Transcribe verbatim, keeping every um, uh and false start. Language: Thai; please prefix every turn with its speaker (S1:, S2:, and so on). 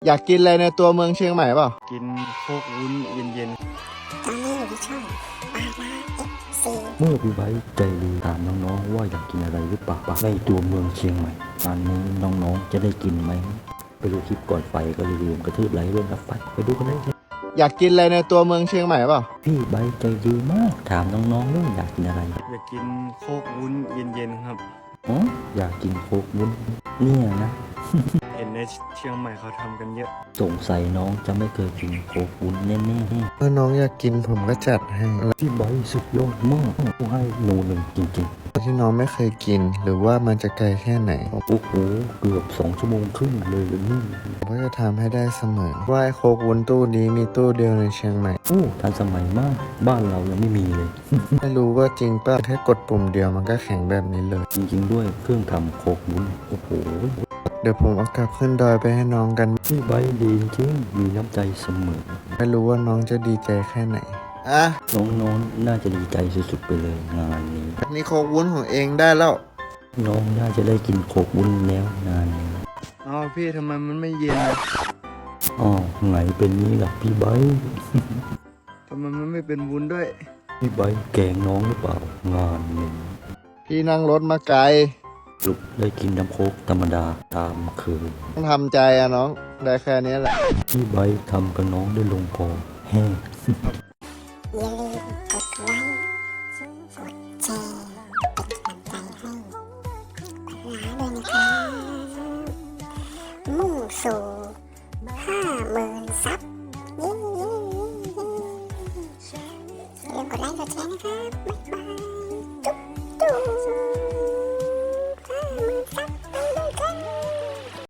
S1: อยากกินอะไรในตัวเมืองเชียงใหม่เปล่า
S2: กินโคกวุ้นเย็น
S3: ตอนนี้อยู่ที่ช่องปาราเอฟซี
S4: เมื่อพี่ไว้ใจดีถามน้องๆว่าอยากกินอะไรหรือเปล่าในตัวเมืองเชียงใหม่งานนี้น้องๆจะได้กินไหมไปดูคลิปก่อนไปก็อย่าลืมกระทืบไลค์ด้วยนะไปไปดูกันเลย
S1: อยากกินอะไรในตัวเมืองเชียงใหม่เปล่า
S4: พี่ไว้ใจดีมากถามน้องๆว่าอยากกินอะไร
S2: ๆอยากกินโคกวุ้นเย็นๆครับ
S4: อ๋ออยากกินโคกวุ้นเนี่ยนะ
S2: เห็นในเชียงใหม่เขาทำกันเยอะ
S4: สงสัยน้องจะไม่เคยกินโคกวุ้นแน่ๆ
S1: เมื่อน้องอยากกินผมก็จัดให้
S4: พี่ไบร์ทสุดยอดมากให้หนูหนึ่งจริง
S1: ที่น้องไม่เคยกินหรือว่ามันจะไกลแค่ไหน
S4: ๆ โอ้โหเกือบสองชั่วโมงครึ่งเลยนี่
S1: ผมก็จะทำให้ได้เสมอว่าไอ้โคกวุ้นตู้นี้มีตู้เดียวในเชียงใหม่
S4: โอ้ทันสมัยมากบ้านเรายังไม่มีเลย
S1: ไม่รู้ว่าจริงป่ะแค่กดปุ่มเดียวมันก็แข็งแบบนี้เลย
S4: จริงๆด้วยเครื่องทำโคกวุ้นโอ้โห
S1: เดี๋ยวผมเอากลับขึ้นดอยไปให้น้องกัน
S4: พี่ไบร์ทดีจริงมีน้ำใจเสมอ
S1: ไม่รู้ว่าน้องจะดีใจแค่ไหนอ่ะ
S4: น้องๆน่าจะดีใจสุดๆไปเลยงานนี้
S1: นี่โคกวุ้นของเองได้แล้ว
S4: น้องน่าจะได้กินโคกวุ้นแล้วงานนี้
S2: อ้าวพี่ทำไมมันไม่เย็นอะ
S4: อ๋อไงเป็นนี้ล่ะพี่ไบร์ท
S2: ทำไมมันไม่เป็นวุ้นด้วย
S4: พี่ไบร์ทแกล้งน้องหรือเปล่างานนี้
S1: พี่นั่งรถมาไกล
S4: ลุกได้กินน้ำโคกธรรมดาตามเคย
S1: ต้องทำใจอะน้องได้แค่นี้แหละ
S4: พี่ไบร์ททำกับน้องได้ลงคอแห้ง
S3: อย่าลืมกดไลค์กดแชร์เป็นกำลังใจให้ปาราด้วยนะครับมุ่งสู่ห้าหมื่นซับเย้อย่าลืมกดไลค์กดแชร์นะครับบ๊ายบายจุ๊บจุ๊บ